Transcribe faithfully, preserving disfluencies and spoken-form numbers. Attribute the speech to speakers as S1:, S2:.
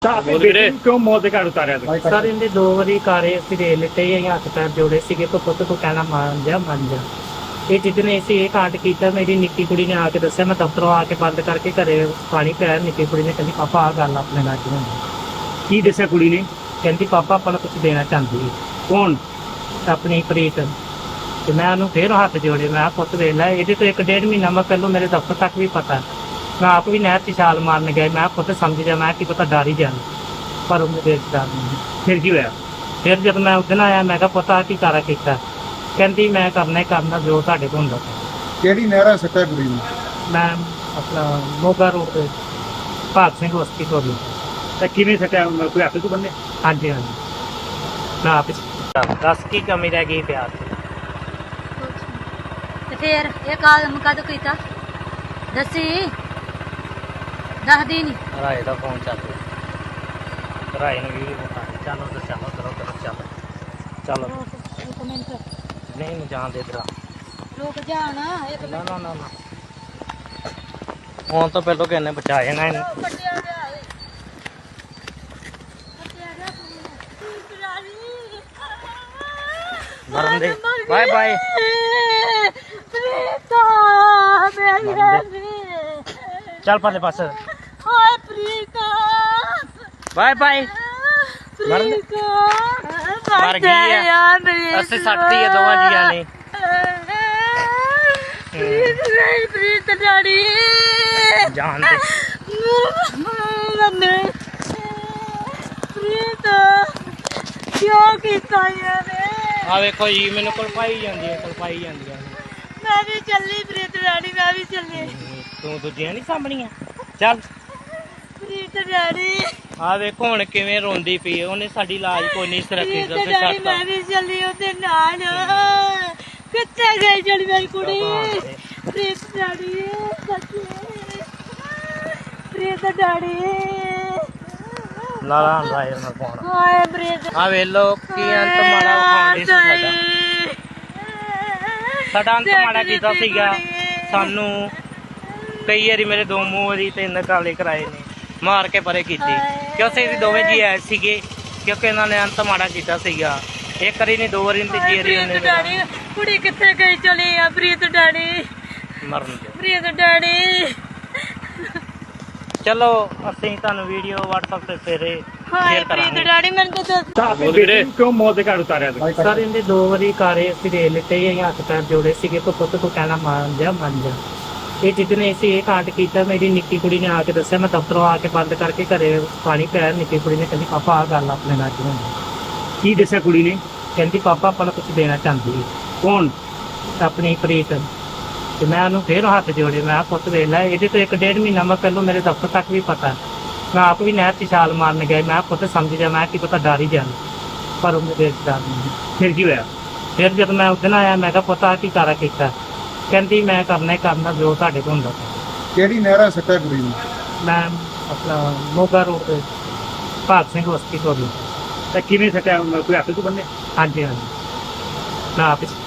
S1: क्यों मौत के घाट उतारा था?
S2: सर इनके दो बारी कारे ਅਸੀਂ ਦੇ ਲਿੱਤੇ ਅਸੀਂ ਹੱਥ ਪੈਰ ਜੋੜੇ ਸੀਗੇ ਕਿ ਪੁੱਤ ਤੂੰ ਕਹਿਣਾ ਮੰਨ ਜਾ ਮੰਨ ਜਾ ਇਹ ਜਿੱਦਨੇ ਅਸੀਂ ਇਹ ਕਾਂਡ ਕੀਤਾ ਮੇਰੀ ਨਿੱਕੀ ਕੁੜੀ ਨੇ ਆ ਕੇ ਦੱਸਿਆ ਮੈਂ ਦਫ਼ਤਰੋਂ ਆ ਕੇ ਬੰਦ ਕਰਕੇ ਘਰੇ ਪਾਣੀ ਪਿਆ ਨਿੱਕੀ ਕੁੜੀ ਨੇ ਕਹਿੰਦੀ ਪਾਪਾ ਆ ਗੱਲ ਆਪਣੇ ਨਾਲ ਕਿਉਂ
S1: की दसा कुड़ी ने?
S2: ਕਹਿੰਦੀ ਪਾਪਾ ਆਪਾਂ ਨੂੰ ਕੁਝ ਦੇਣਾ ਚਾਹੁੰਦੀ ਹੈ
S1: कौन?
S2: ਆਪਣੀ ਪ੍ਰੀਤ ਤੇ ਮੈਂ ਉਹਨੂੰ ਫੇਰ ਹੱਥ ਜੋੜੇ ਮੈਂ ਕਿਹਾ ਪੁੱਤ ਵੇਖ ਲੈ ਇਹਦੇ ਤੋਂ ਇੱਕ ਡੇਢ ਮਹੀਨਾ ਮੈਂ ਪਹਿਲਾਂ ਮੇਰੇ ਦਫ਼ਤਰ ਤੱਕ ਵੀ ਪਤਾ ਮੈਂ ਆਪ ਵੀ ਨਹਿਰ 'ਚ ਛਾਲ ਮਾਰਨ ਗਿਆ ਮੈਂ ਕਿਹਾ ਪੁੱਤ ਸਮਝ ਜਾ ਮੈਂ ਕੀ ਪਤਾ ਡਰ ਹੀ ਜਾਣਾ ਪਰ ਉਹਨੇ ਦੇਖ ਡਰ ਨਹੀਂ
S1: फिर की होया?
S2: ਫਿਰ ਜਦ ਮੈਂ ਉਸ ਦਿਨ ਆਇਆ ਮੈਂ ਕਿਹਾ ਪਤਾ ਕੀ ਕਾਰਾ ਕੀਤਾ ਕਹਿੰਦੀ ਮੈਂ ਕਰਨਾ ਹੀ ਕਰਨਾ ਜੋ ਤੁਹਾਡੇ ਕੋਲ ਹੁੰਦਾ
S3: ਕਿਹੜੀ ਨਹਿਰਾ ਸੱਟਾ ਕੁੜੀ ਨੂੰ?
S2: ਮੈਂ ਆਪਣਾ ਮੋਗਾ ਰੋਡ ਤੇ ਭਾਗ ਸਿੰਘ ਬਸਤੀ ਤੋਂ ਵੀ
S1: तो किवें सटा कोई हाथ तो बन्ने?
S2: ਹਾਂਜੀ ਹਾਂਜੀ ਮੈਂ ਆਪ ਹੀ- ਦੱਸ ਕੀ ਕਮੀ ਰਹਿ ਗਈ ਪਿਆਰ ਦੀ
S4: ਤੇ ਫੇਰ ਇਹ ਕਾਲਮ ਕਦ ਕੀਤਾ ਦੱਸੀ ਦੱਸਦੀ ਨੀ
S2: ਰਾਏ ਦਾ ਫੋਨ ਚੱਲ ਰਿਹਾ ਰਾਏ ਨੂੰ ਵੀਡੀਓ ਬਤਾ ਚਲੋ ਦੱਸਿਆ ਲੋ ਕਰੋ ਕਰੋ ਚੱਲ ਚਲੋ
S4: ਇੱਕ ਮਿੰਟ
S2: ਨਹੀਂ ਨੂੰ ਜਾਣ ਦੇ ਦਰਾ
S4: ਰੁਕ ਜਾਣ ਇੱਕ
S2: ਨਾ ਨਾ ਨਾ ਨਾ ਹੁਣ ਤਾਂ ਪਹਿਲਾਂ ਕਿੰਨੇ ਬਚਾ ਜਾਣਾ ਇਹਨੂੰ
S4: ਕੱਟਿਆ ਗਿਆ ਏ ਕੱਟਿਆ ਗਿਆ ਤੂੰ ਰਾਣੀ
S2: ਮਰਨ ਦੇ ਬਾਏ ਬਾਏ
S4: ਪ੍ਰੀਤਾ ਮੇਰੀ ਰਾਣੀ
S2: ਚੱਲ ਪਰਲੇ ਪਾਸੇ
S4: ਹਾਏ ਪ੍ਰੀਤਾ
S2: ਬਾਏ ਬਾਏ ਮਰਨ ਦੇ
S4: ਪ੍ਰੀਤਾ
S2: ਮਰ ਗਈ ਆ ਅਸੀਂ ਸੱਟਤੀ ਆ ਦੋਵਾਂ ਜੀਆਂ ਨੇ
S4: ਪ੍ਰੀਤ ਨਹੀਂ ਪ੍ਰੀਤ ਡਾੜੀ
S2: ਜਾਣ ਦੇ
S4: ਮੰਨੇ ਪ੍ਰੀਤ ਕਿਉਂ ਕੀਤਾ ਇਹਨੇ
S2: ਆ ਵੇਖੋ ਜੀ ਮੈਨੂੰ ਕਲਪਾਈ ਜਾਂਦੀ ਹੈ ਕਲਪਾਈ ਜਾਂਦੀਆਂ
S4: ਮੈਂ ਵੀ ਚੱਲੀ ਪ੍ਰੀਤ ਡਾੜੀ ਮੈਂ ਵੀ ਚੱਲੀ
S2: ਤੂੰ ਦੂਜੀਆਂ ਨਹੀਂ ਸਾਂਭਣੀਆਂ ਚੱਲ
S4: ਪ੍ਰੀਤ ਡਾੜੀ
S2: ਆ ਵੇਖੋ ਹੁਣ ਕਿਵੇਂ ਰੋਂਦੀ ਪਈ ਉਹਨੇ ਸਾਡੀ ਲਾਜ ਕੋਈ ਨਹੀਂ ਸੁਰੱਖਿਅਤ
S4: ਪ੍ਰੀਤ
S2: ਤੇ
S4: ਡਾੜੀ
S2: ਛੱਡਤਾ
S4: ਮੈਂ ਵੀ ਚੱਲੀ ਉਹਦੇ ਨਾਲ ਕਿੱਥੇ ਗਈ ਜਿਹੜੀ ਮੇਰੀ ਕੁੜੀ ਪ੍ਰੀਤ ਡਾੜੀ ਸੱਚੀ ਪ੍ਰੀਤ ਡਾੜੀ
S2: ਲਾਲਾ ਰਾਏ ਨਾਲ ਪਾਉਣਾ
S4: ਹਾਏ ਪ੍ਰੀਤ
S2: ਆ ਵੇਲੋ ਕੀ ਅੰਤ ਮਾੜਾ ਵਿਖਾਉਂਦੀ ਸੀ ਸਾਡਾ ਸਾਡਾ ਅੰਤ ਮਾੜਾ ਕੀਤਾ ਸੀਗਾ ਸਾਨੂੰ ਕਈ ਵਾਰੀ ਮੇਰੇ ਦੋ ਮੂੰਹ ਵਾਰੀ ਤਿੰਨ ਕਾਲੇ ਕਰਾਏ ਨੇ ਮਾਰ ਕੇ ਪਰੇ ਕੀਤੀ ਕਿਉਂਕਿ ਅਸੀਂ ਦੋਵੇਂ ਜੀ ਆਏ ਸੀਗੇ ਕਿਉਂਕਿ ਇਹਨਾਂ ਨੇ ਅੰਤ ਮਾੜਾ ਕੀਤਾ ਸੀਗਾ ਇੱਕ ਵਾਰੀ ਨਹੀਂ ਦੋ ਵਾਰੀ ਤੀਜੀ ਵਾਰੀ ਉਹਨੇ
S4: ਪ੍ਰੀਤ ਡਾੜੀ ਕੁੜੀ ਕਿੱਥੇ ਗਈ ਚਲੀ ਆ ਪ੍ਰੀਤ ਡਾੜੀ
S2: ਮਰਨ ਦੇ
S4: ਪ੍ਰੀਤ ਡਾੜੀ
S2: ਚਲੋ ਅਸੀਂ ਤੁਹਾਨੂੰ ਵੀਡੀਓ WhatsApp ਤੇ ਫੇਰੇ
S4: ਹਾਏ
S2: ਸ਼ੇਅਰ
S4: ਪ੍ਰੀਤ
S2: ਕਰਾਂਗੇ
S4: ਡਾੜੀ ਮੈਨੂੰ ਤਾਂ ਦੱਸ
S1: तो आपने बेटे को क्यों मौत के घाट उतारा था?
S2: ਸਰ ਇਹਦੇ ਦੋ ਵਾਰੀ ਕਾਰੇ ਅਸੀਂ ਦੇ ਲਿੱਤੇ ਅਸੀਂ ਹੱਥ ਪੈਰ ਜੋੜੇ ਸੀਗੇ ਕਿ ਪੁੱਤ ਤੂੰ ਕਹਿਣਾ ਮੰਨ ਜਾ ਮੰਨ ਜਾ ਇਹ ਜਿੱਦਨੇ ਅਸੀਂ ਇਹ ਕਾਂਡ ਕੀਤਾ ਮੇਰੀ ਨਿੱਕੀ ਕੁੜੀ ਨੇ ਆ ਕੇ ਦੱਸਿਆ ਮੈਂ ਦਫ਼ਤਰੋਂ ਆ ਕੇ ਬੰਦ ਕਰਕੇ ਘਰੇ ਪਾਣੀ ਪਿਆ ਨਿੱਕੀ ਕੁੜੀ ਨੇ ਕਹਿੰਦੀ ਪਾਪਾ ਆ ਗੱਲ ਆਪਣੇ ਨਾਲ ਕਿਉਂ
S1: की दसा कुड़ी ने?
S2: ਕਹਿੰਦੀ ਪਾਪਾ ਆਪਾਂ ਨੂੰ ਕੁਝ ਦੇਣਾ ਚਾਹੁੰਦੀ ਹੈ
S1: कौन?
S2: ਆਪਣੀ ਪ੍ਰੀਤ ਤੇ ਮੈਂ ਉਹਨੂੰ ਫੇਰ ਹੱਥ ਜੋੜੇ ਮੈਂ ਕਿਹਾ ਪੁੱਤ ਵੇਖ ਲੈ ਇਹਦੇ ਤੋਂ ਇੱਕ ਡੇਢ ਮਹੀਨਾ ਮੈਂ ਪਹਿਲਾਂ ਮੇਰੇ ਦਫ਼ਤਰ ਤੱਕ ਵੀ ਪਤਾ ਮੈਂ ਆਪ ਵੀ ਨਹਿਰ 'ਚ ਛਾਲ ਮਾਰਨ ਗਿਆ ਮੈਂ ਕਿਹਾ ਪੁੱਤ ਸਮਝ ਜਾ ਮੈਂ ਕੀ ਪਤਾ ਡਰ ਹੀ ਜਾਣਾ ਪਰ ਉਹਨੇ ਦੇਖ ਡਰ ਨਹੀਂ
S1: फिर की होया?
S2: ਫਿਰ ਜਦ ਮੈਂ ਉਸ ਦਿਨ ਆਇਆ ਮੈਂ ਕਿਹਾ ਪਤਾ ਕੀ ਕਾਰਾ ਕੀਤਾ ਕਹਿੰਦੀ ਮੈਂ ਕਰਨਾ ਹੀ ਕਰਨਾ ਜੋ ਤੁਹਾਡੇ ਕੋਲ ਹੁੰਦਾ
S3: ਕਿਹੜੀ ਨਹਿਰਾ ਸੱਟਾ ਕੁੜੀ ਨੂੰ?
S2: ਮੈਂ ਆਪਣਾ ਮੋਗਾ ਰੋਡ ਤੇ ਭਾਗ ਸਿੰਘ ਬਸਤੀ ਤੋਂ ਵੀ
S1: तो किवें सटा कोई हाथ तो बन्ने?
S2: ਹਾਂਜੀ ਹਾਂਜੀ ਮੈਂ ਆਪ ਹੀ